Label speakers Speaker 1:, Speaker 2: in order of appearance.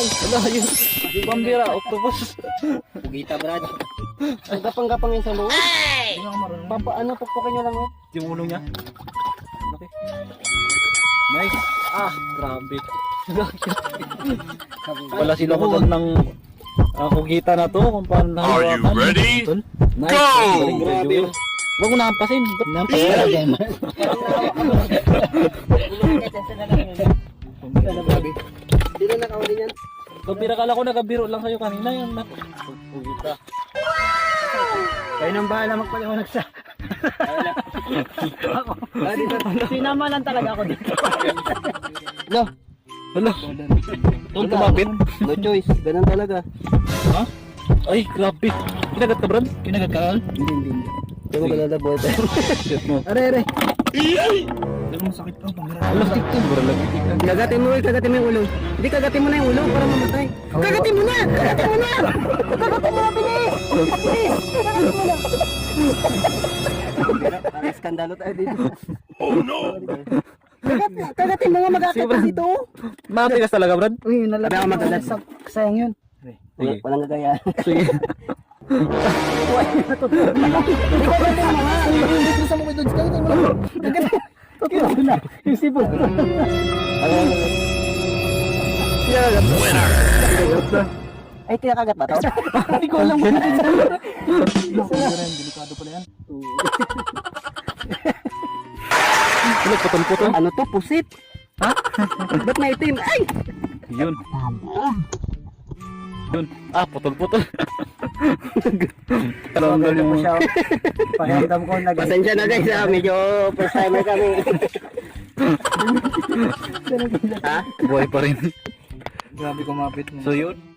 Speaker 1: Wala yun. Pambira, octopus.
Speaker 2: Pugita, Brad.
Speaker 3: Ang gapang-gapang yun sa loob. Papaano, pukpukin nyo lang yun.
Speaker 1: Yung ulo niya. Okay. Nice. Ah, grabe. Wala sinukutan ng kugita na to kung paano
Speaker 4: Are you
Speaker 1: nahawakan.
Speaker 4: ready?
Speaker 1: Tol. Nice.
Speaker 4: Go!
Speaker 1: Galing, grabe. Huwag mo nahampasin.
Speaker 2: Nampas ka lang yan, man.
Speaker 3: Hindi na nakawali yan.
Speaker 1: Kabira kala ko nagabiro lang sa'yo kanina yan na. Kugita.
Speaker 2: Kayo nang bahala magpaliwanag sa... Sinama lang talaga ako dito.
Speaker 3: No,
Speaker 1: Hala. Tol, kumapit.
Speaker 3: no choice. Ganun talaga.
Speaker 1: Ha? Ay, grabe. Kinagat ka, Brad?
Speaker 2: Kinagat ka, Al?
Speaker 3: Hindi. Hindi mo kalala boy.
Speaker 1: Shit mo.
Speaker 2: Are. Pero masakit to.
Speaker 1: Hala, siguro lagi.
Speaker 3: Kagatin mo yung ulo. Hindi, kagatin mo na yung ulo para mamatay. Kagatin mo na! Kagatin mo na! Kagatin mo na, bilis! Bilis! Kagatin mo na! Parang skandalo tayo dito.
Speaker 4: Oh no!
Speaker 3: Kagatin mo nga mag-akit dito.
Speaker 1: Matigas talaga, Brad?
Speaker 2: Uy, nalagay
Speaker 3: Kaya
Speaker 2: ko
Speaker 3: magagat.
Speaker 2: sayang yun.
Speaker 1: Sige.
Speaker 3: Walang gagaya.
Speaker 1: Sige.
Speaker 3: Hindi kagatin mo nga. Hindi ko sa mga doon. Kagatin mo na.
Speaker 2: Kinagat na. Yung sipon.
Speaker 4: Winner!
Speaker 3: Ay, tinakagat ba ito?
Speaker 2: Hindi ko alam kung
Speaker 1: Delikado pala yan. Hala, putol-putol.
Speaker 3: Ano to? Pusit?
Speaker 1: Ha?
Speaker 3: Ba't may itim? Ay!
Speaker 1: Yun. Yun. Ah, putol-putol. Talanggal yung...
Speaker 2: pakiramdam ko nag...
Speaker 3: Pasensya na guys ha. Medyo first timer kami. Ha?
Speaker 1: Buhay pa rin.
Speaker 2: Grabe kumapit mo.
Speaker 1: So yun.